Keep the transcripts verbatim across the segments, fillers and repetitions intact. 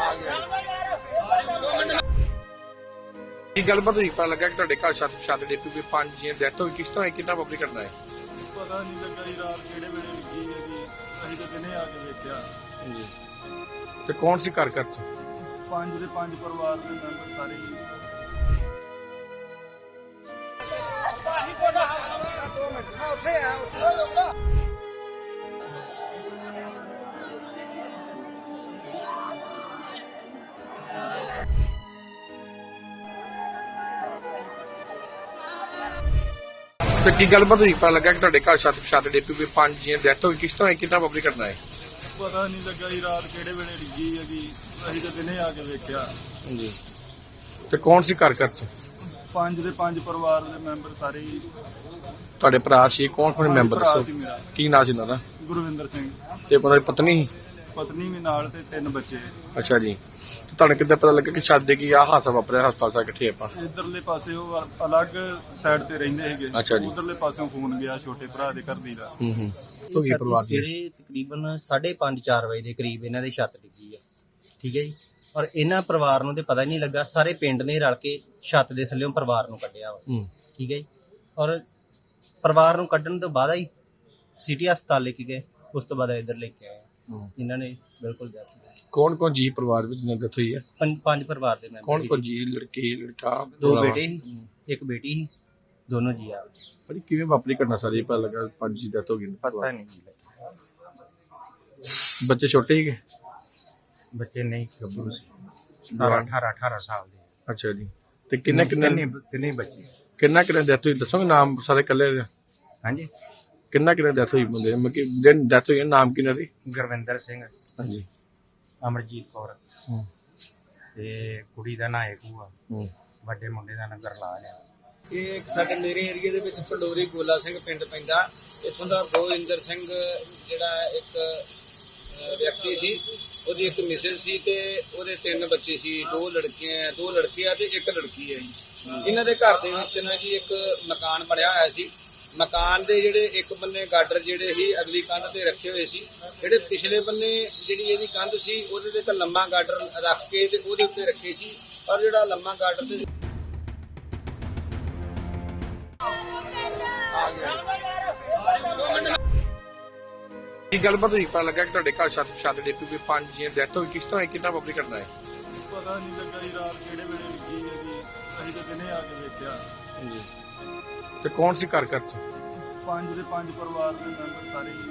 ਕੀ ਗੱਲਬਾਤ ਹੋਈ? ਪਤਾ ਲੱਗਾ ਕਿ ਤੁਹਾਡੇ ਘਰ ਛੱਤ ਛੱਤ ਡਿੱਗ ਪਈ, ਪੰਜ ਜੀਆਂ ਡੈਥ ਹੋਈ। ਕਿਸ ਤਰ੍ਹਾਂ ਕਿੰਨਾ ਵਾਪਰੀ ਘਟਨਾ ਹੈ? ਪਤਾ ਨਹੀਂ ਲੱਗਾ ਜੀ ਰਾਤ ਕਿਹੜੇ ਵੇਲੇ ਲੱਗੀ ਹੈ ਜੀ। ਅਸੀਂ ਤਾਂ ਦਿਨੇ ਆ ਕੇ ਵੇਖਿਆ। ਜੀ। ਤੇ ਕੌਣ ਸੀ ਘਰ ਘਰ ਚ? ਪੰਜ ਦੇ ਪੰਜ ਪਰਿਵਾਰ ਦੇ ਮੈਂਬਰ ਸਾਰੇ ਜੀ। ਤੇ ਕੀ ਗੱਲਬਾਤ ਹੋਈ? ਪਤਾ ਲੱਗਾ ਕਿ ਤੁਹਾਡੇ ਘਰ ਛੱਤ ਛੱਤ ਡਿੱਗ ਪਈ, ਪੰਜ ਜੀਆਂ ਡੈਥ ਹੋਈ। ਕਿਸ ਤਰ੍ਹਾਂ ਕਿੰਨਾ ਵਾਪਰੀ ਘਟਨਾ ਹੈ? ਪਤਾ ਨਹੀਂ ਲੱਗਾ ਜੀ ਰਾਤ ਕਿਹੜੇ ਵੇਲੇ ਲੱਗੀ ਹੈ ਜੀ। ਅਸੀਂ ਤਾਂ ਦਿਨੇ ਆ ਕੇ ਵੇਖਿਆ। ਜੀ। ਤੇ ਕੌਣ ਸੀ ਘਰ ਘਰ ਚ? ਪੰਜ ਦੇ ਪੰਜ ਪਰਿਵਾਰ ਦੇ ਮੈਂਬਰ ਸਾਰੇ ਜੀ। ਤੁਹਾਡੇ ਭਰਾ ਸੀ? ਕੌਣ ਕੌਣ ਮੈਂਬਰ ਭਰਾ ਦੱਸੋ? ਸੀ ਮੇਰਾ ਕੀ ਨਾਂ ਸੀ ਉਹਨਾਂ ਦਾ? ਗੁਰਵਿੰਦਰ ਸਿੰਘ। ਤੇ ਉਹਨਾਂ ਦੀ ਪਤਨੀ ਸੀ? ਪਤਨੀ ਵੀ ਨਾਲ ਤੇ ਤਿੰਨ ਬੱਚੇ। ਅੱਛਾ ਜੀ। ਤੇ ਤੁਹਾਨੂੰ ਕਿੱਦਾਂ ਪਤਾ ਲੱਗਾ ਕਿ ਛੱਤ ਡਿੱਗੀ ਆ ਹਾਦਸਾ ਵਾਪਰਿਆ? ਹਸਪਤਾਲ ਸਾ ਇਕੱਠੇ ਆਪਾਂ। ਇਧਰਲੇ ਪਾਸੇ ਉਹ ਅਲੱਗ ਸਾਈਡ ਤੇ ਰਹਿੰਦੇ ਸੀਗੇ। ਅੱਛਾ ਜੀ। ਉਧਰਲੇ ਪਾਸਿਓਂ ਫੋਨ ਗਿਆ ਛੋਟੇ ਭਰਾ ਦੇ ਘਰ ਦੀ ਦਾ। ਹੂੰ ਹੂੰ। ਤੋਂ ਕੀ ਪਰਿਵਾਰ ਦੀ? ਸਵੇਰੇ ਤਕਰੀਬਨ ਸਾਢੇ ਪੰਜ ਚਾਰ ਵਜੇ ਦੇ ਕਰੀਬ ਇਹਨਾਂ ਦੀ ਛੱਤ ਡਿੱਗੀ ਆ। ਠੀਕ ਹੈ ਜੀ। ਔਰ ਇਹਨਾਂ ਪਰਿਵਾਰ ਨੂੰ ਤੇ ਪਤਾ ਹੀ ਨਹੀਂ ਲੱਗਾ। ਸਾਰੇ ਪਿੰਡ ਨੇ ਰਲ ਕੇ ਛੱਤ ਦੇ ਥੱਲੇੋਂ ਪਰਿਵਾਰ ਨੂੰ ਕੱਢਿਆ ਵਾ। ਹੂੰ। ਠੀਕ ਹੈ ਜੀ। ਔਰ ਪਰਿਵਾਰ ਨੂੰ ਕੱਢਣ ਤੋਂ ਬਾਅਦ ਹੀ ਸਿਟੀ ਹਸਪਤਾਲ ਲੈ ਕੇ ਗਏ। ਉਸ ਤੋਂ ਬਾਅਦ ਇੱਧਰ ਲੈ ਕੇ ਆਏ। ਇਹਨਾਂ ਨੇ ਬਿਲਕੁਲ death ਹੋ ਗਈ। ਕੌਣ ਕੌਣ ਜੀ ਪਰਿਵਾਰ ਵਿੱਚ ਡੈਥ ਹੋਈ ਹੈ? ਪੰਜ ਪੰਜ ਪਰਿਵਾਰ ਦੇ ਮੈਂਬਰ ਕੌਣ ਸੀ। ਕੌਣ ਜੀ? ਲੜਕੇ ਲੜਕਾ? ਦੋ ਬੇਟੇ ਸੀ, ਇੱਕ ਬੇਟੀ ਸੀ, ਦੋਨੋਂ ਜੀ ਆ। ਪਰ ਕਿਵੇਂ ਵਾਪਰੀ ਘਟਨਾ ਸਾਰੀ? ਪਤਾ ਲੱਗਾ ਪੰਜ ਜੀ ਡੈਥ ਹੋ ਗਈ। ਪਤਾ ਨਹੀਂ ਜੀ। ਬੱਚੇ ਛੋਟੇ ਸੀਗੇ? ਬੱਚੇ ਨਹੀਂ ਗੱਭਰੂ ਸੀ। ਸਤਾਰਾਂ ਅਠਾਰਾਂ ਅਠਾਰਾਂ ਸਾਲ ਦੇ। ਅੱਛਾ ਜੀ। ਤੇ ਕਿੰਨੇ ਕਿੰਨੇ ਤਿੰਨੇ ਬੱਚੇ। ਕਿੰਨਾ ਕਿੰਨਾ ਡੈਥ ਹੋਈ ਦੱਸੋਗੇ? ਨਾਮ ਸਾਰੇ ਇਕੱਲੇ? ਹਾਂਜੀ। ਕਿੰਨਾ ਕਿੰਨਾ ਡੈਥ ਹੋਈ ਬੰਦੇ? ਮਤਲਬ ਕਿ ਦਿਨ ਡੈਥ ਹੋਈ, ਨਾਮ ਕਿੰਨਾ ਸੀ? ਗੁਰਵਿੰਦਰ ਸਿੰਘ, ਹਾਂਜੀ। ਅਮਰਜੀਤ ਕੌਰ ਹੂੰ ਤੇ ਕੁੜੀ ਦਾ ਨਾਂ ਏਕੂ ਆ। ਹੂੰ। ਵੱਡੇ ਮੁੰਡੇ ਦਾ ਨਾਂ ਗਰਲਾਲ ਆ। ਇਹ ਇੱਕ ਸਾਡੇ ਮੇਰੇ ਏਰੀਆ ਦੇ ਵਿੱਚ ਪੰਡੋਰੀ ਗੋਲਾ ਸਿੰਘ ਪਿੰਡ ਪੈਂਦਾ। ਇੱਥੋਂ ਦਾ ਗੋਇੰਦਰ ਸਿੰਘ ਜਿਹੜਾ ਇੱਕ ਵਿਅਕਤੀ ਸੀ, ਉਹਦੀ ਇੱਕ ਮਿਸਿਸ ਸੀ ਤੇ ਉਹਦੇ ਤਿੰਨ ਬੱਚੇ ਸੀ। ਦੋ ਲੜਕੀਆਂ ਦੋ ਲੜਕੇ ਆ ਤੇ ਇੱਕ ਲੜਕੀ ਹੈ ਜੀ। ਇਹਨਾਂ ਦੇ ਘਰ ਦੇ ਵਿੱਚ ਨਾ ਜੀ ਇੱਕ ਮਕਾਨ ਬਣਿਆ ਹੋਇਆ ਸੀ। ਮਕਾਨ ਦੇ ਜਿਹੜੇ ਇੱਕ ਬੰਨੇ ਗਾਡਰ ਜਿਹੜੇ ਸੀ ਅਗਲੀ ਕੰਧ ਤੇ ਰੱਖੇ ਹੋਏ ਸੀ। ਜਿਹੜੇ ਪਿਛਲੇ ਬੰਨੇ ਜਿਹੜੀ ਇਹਦੀ ਕੰਧ ਸੀ ਉਹਦੇ ਤੇ ਇੱਕ ਲੰਮਾ ਗਾਡਰ ਰੱਖ ਕੇ ਤੇ ਉਹਦੇ ਉੱਤੇ ਰੱਖੇ ਸੀ। ਪਰ ਜਿਹੜਾ ਲੰਮਾ ਗਾਡਰ ਤੇ ਕੀ ਗੱਲਬਾਤ ਹੋਈ? ਪਤਾ ਲੱਗਾ ਕਿ ਤੁਹਾਡੇ ਘਰ ਛੱਤ ਛੱਤ ਡਿੱਗ ਪਈ, ਪੰਜ ਜੀਆਂ ਡੈਥ ਹੋਈ। ਕਿਸ ਤਰ੍ਹਾਂ ਕਿੰਨਾ ਵਾਪਰੀ ਘਟਨਾ ਹੈ? ਪਤਾ ਨਹੀਂ ਲੱਗਾ ਜੀ ਰਾਤ ਕਿਹੜੇ ਵੇਲੇ ਲੱਗੀ ਹੈ ਜੀ। ਅਸੀਂ ਤਾਂ ਦਿਨੇ ਆ ਕੇ ਵੇਖਿਆ। ਜੀ। ਤੇ ਕੌਣ ਸੀ ਘਰ ਘਰ ਚ? ਪੰਜ ਦੇ ਪੰਜ ਪਰਿਵਾਰ ਦੇ ਮੈਂਬਰ ਸਾਰੇ ਜੀ।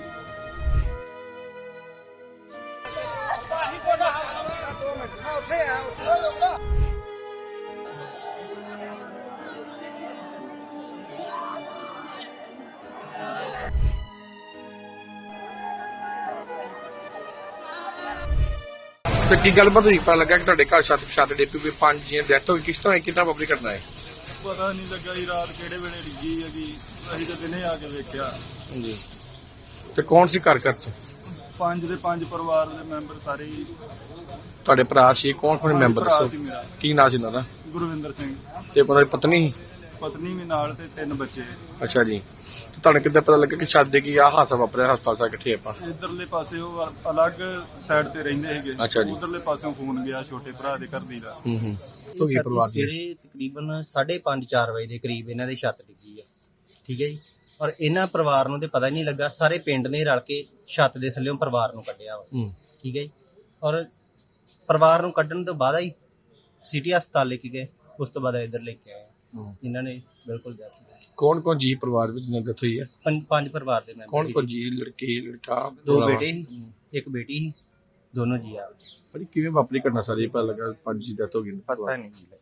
ਤੇ ਕੀ ਗੱਲਬਾਤ ਹੋਈ? ਪਤਾ ਲੱਗਾ ਕਿ ਤੁਹਾਡੇ ਘਰ ਛੱਤ ਛੱਤ ਡਿੱਗ ਪਈ, ਪੰਜ ਜੀਆਂ ਡੈਥ ਹੋਈ। ਕਿਸ ਤਰ੍ਹਾਂ ਕਿੰਨਾ ਵਾਪਰੀ ਘਟਨਾ ਹੈ? ਪਤਾ ਨਹੀਂ ਲੱਗਾ ਜੀ ਰਾਤ ਕਿਹੜੇ ਵੇਲੇ ਲੱਗੀ ਹੈ ਜੀ। ਅਸੀਂ ਤਾਂ ਦਿਨੇ ਆ ਕੇ ਵੇਖਿਆ। ਜੀ। ਤੇ ਕੌਣ ਸੀ ਘਰ ਘਰ ਚ? ਪੰਜ ਦੇ ਪੰਜ ਪਰਿਵਾਰ ਦੇ ਮੈਂਬਰ ਸਾਰੇ ਜੀ। ਤੁਹਾਡੇ ਭਰਾ ਸੀ? ਕੌਣ ਕੌਣ ਮੈਂਬਰ ਭਰਾ ਦੱਸੋ? ਸੀ ਮੇਰਾ ਕੀ ਨਾਂ ਸੀ ਉਹਨਾਂ ਦਾ? ਗੁਰਵਿੰਦਰ ਸਿੰਘ। ਤੇ ਉਹਨਾਂ ਦੀ ਪਤਨੀ ਸੀ? ਪਤਨੀ ਵੀ ਨਾਲ ਤੇ ਤਿੰਨ ਬੱਚੇ। ਅੱਛਾ ਜੀ। ਤੇ ਤੁਹਾਨੂੰ ਕਿੱਦਾਂ ਪਤਾ ਲੱਗਾ ਕਿ ਛੱਤ ਡਿੱਗੀ ਆ ਹਾਦਸਾ ਵਾਪਰਿਆ? ਹਸਪਤਾਲ ਸਾ ਇਕੱਠੇ ਆਪਾਂ। ਇਧਰਲੇ ਪਾਸੇ ਉਹ ਅਲੱਗ ਸਾਈਡ ਤੇ ਰਹਿੰਦੇ ਸੀਗੇ। ਅੱਛਾ ਜੀ। ਉਧਰਲੇ ਪਾਸਿਓਂ ਫੋਨ ਗਿਆ ਛੋਟੇ ਭਰਾ ਦੇ ਘਰ ਦੀ ਦਾ। ਹੂੰ ਹੂੰ। ਤੋਂ ਕੀ ਪਰਿਵਾਰ ਦੀ? ਸਵੇਰੇ ਤਕਰੀਬਨ ਸਾਢੇ ਪੰਜ ਚਾਰ ਵਜੇ ਦੇ ਕਰੀਬ ਇਹਨਾਂ ਦੀ ਛੱਤ ਡਿੱਗੀ ਆ। ਠੀਕ ਹੈ ਜੀ। ਔਰ ਇਹਨਾਂ ਪਰਿਵਾਰ ਨੂੰ ਤੇ ਪਤਾ ਹੀ ਨਹੀਂ ਲੱਗਾ। ਸਾਰੇ ਪਿੰਡ ਨੇ ਰਲ ਕੇ ਛੱਤ ਦੇ ਥੱਲੇੋਂ ਪਰਿਵਾਰ ਨੂੰ ਕੱਢਿਆ ਵਾ। ਹੂੰ। ਠੀਕ ਹੈ ਜੀ। ਔਰ ਪਰਿਵਾਰ ਨੂੰ ਕੱਢਣ ਤੋਂ ਬਾਅਦ ਹੀ ਸਿਟੀ ਹਸਪਤਾਲ ਲੈ ਕੇ ਗਏ। ਉਸ ਤੋਂ ਬਾਅਦ ਇੱਧਰ ਲੈ ਕੇ ਆਏ। ਇਹਨਾਂ ਨੇ ਬਿਲਕੁਲ death ਹੋ ਗਈ। ਕੌਣ ਕੌਣ ਜੀ ਪਰਿਵਾਰ ਵਿੱਚ ਡੈਥ ਹੋਈ ਹੈ? ਪੰਜ ਪੰਜ ਪਰਿਵਾਰ ਦੇ ਮੈਂਬਰ ਕੌਣ ਸੀ। ਕੌਣ ਜੀ? ਲੜਕੇ ਲੜਕਾ? ਦੋ ਬੇਟੇ ਸੀ, ਇੱਕ ਬੇਟੀ ਸੀ, ਦੋਨੋਂ ਜੀ ਆ। ਪਰ ਕਿਵੇਂ ਵਾਪਰੀ ਘਟਨਾ ਸਾਰੀ? ਪਤਾ ਲੱਗਾ ਪੰਜ ਜੀ ਡੈਥ ਹੋ ਗਈ। ਪਤਾ ਨਹੀਂ ਜੀ।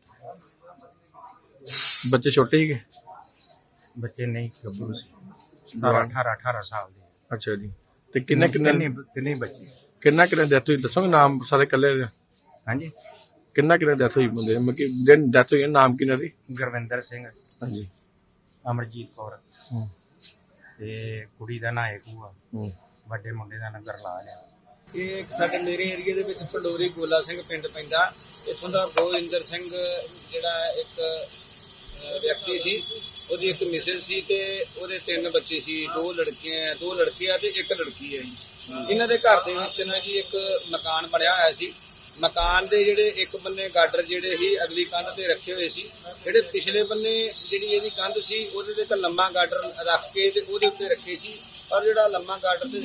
ਬੱਚੇ ਛੋਟੇ ਸੀਗੇ? ਬੱਚੇ ਨਹੀਂ ਗੱਭਰੂ ਸੀ। ਸਤਾਰਾਂ ਅਠਾਰਾਂ ਅਠਾਰਾਂ ਸਾਲ ਦੇ। ਅੱਛਾ ਜੀ। ਤੇ ਕਿੰਨੇ ਕਿੰਨੇ ਤਿੰਨੇ ਬੱਚੇ। ਕਿੰਨਾ ਕਿੰਨਾ ਡੈਥ ਹੋਈ ਦੱਸੋਗੇ? ਨਾਮ ਸਾਰੇ ਇਕੱਲੇ? ਹਾਂਜੀ। ਕਿੰਨਾ ਕਿੰਨਾ ਡੈਥ ਹੋਈ ਬੰਦੇ? ਮਤਲਬ ਕਿ ਦਿਨ ਡੈਥ ਹੋਈ, ਨਾਮ ਕਿੰਨਾ ਸੀ? ਗੁਰਵਿੰਦਰ ਸਿੰਘ, ਹਾਂਜੀ। ਅਮਰਜੀਤ ਕੌਰ ਹੂੰ। ਤੇ ਕੁੜੀ ਦਾ ਨਾਂ ਏਕੂ ਆ। ਹੂੰ। ਵੱਡੇ ਮੁੰਡੇ ਦਾ ਨਾਂ ਗਰਲਾਲ ਆ। ਇਹ ਇੱਕ ਸਾਡੇ ਮੇਰੇ ਏਰੀਆ ਦੇ ਵਿੱਚ ਪੰਡੋਰੀ ਗੋਲਾ ਸਿੰਘ ਪਿੰਡ ਪੈਂਦਾ। ਇੱਥੋਂ ਦਾ ਗੋਇੰਦਰ ਸਿੰਘ ਜਿਹੜਾ ਇੱਕ ਵਿਅਕਤੀ ਸੀ, ਉਹਦੀ ਇੱਕ ਮਿਸਿਸ ਸੀ ਤੇ ਉਹਦੇ ਤਿੰਨ ਬੱਚੇ ਸੀ। ਦੋ ਲੜਕੀਆਂ ਦੋ ਲੜਕੇ ਆ ਤੇ ਇੱਕ ਲੜਕੀ ਹੈ ਜੀ। ਇਹਨਾਂ ਦੇ ਘਰ ਦੇ ਵਿੱਚ ਨਾ ਜੀ ਇੱਕ ਮਕਾਨ ਬਣਿਆ ਹੋਇਆ ਸੀ। ਮਕਾਨ ਦੇ ਜਿਹੜੇ ਇੱਕ ਬੰਨੇ ਗਾਡਰ ਜਿਹੜੇ ਸੀ ਅਗਲੀ ਕੰਧ ਤੇ ਰੱਖੇ ਹੋਏ ਸੀ, ਜਿਹੜੇ ਪਿਛਲੇ ਬੰਨੇ ਜਿਹੜੀ ਇਹਦੀ ਕੰਧ ਸੀ ਉਹਦੇ ਤੇ ਇੱਕ ਲੰਮਾ ਗਾਡਰ ਰੱਖ ਕੇ ਤੇ ਉਹਦੇ ਉੱਤੇ ਰੱਖੇ ਸੀ, ਔਰ ਜਿਹੜਾ ਲੰਮਾ ਗਾਡਰ ਤੇ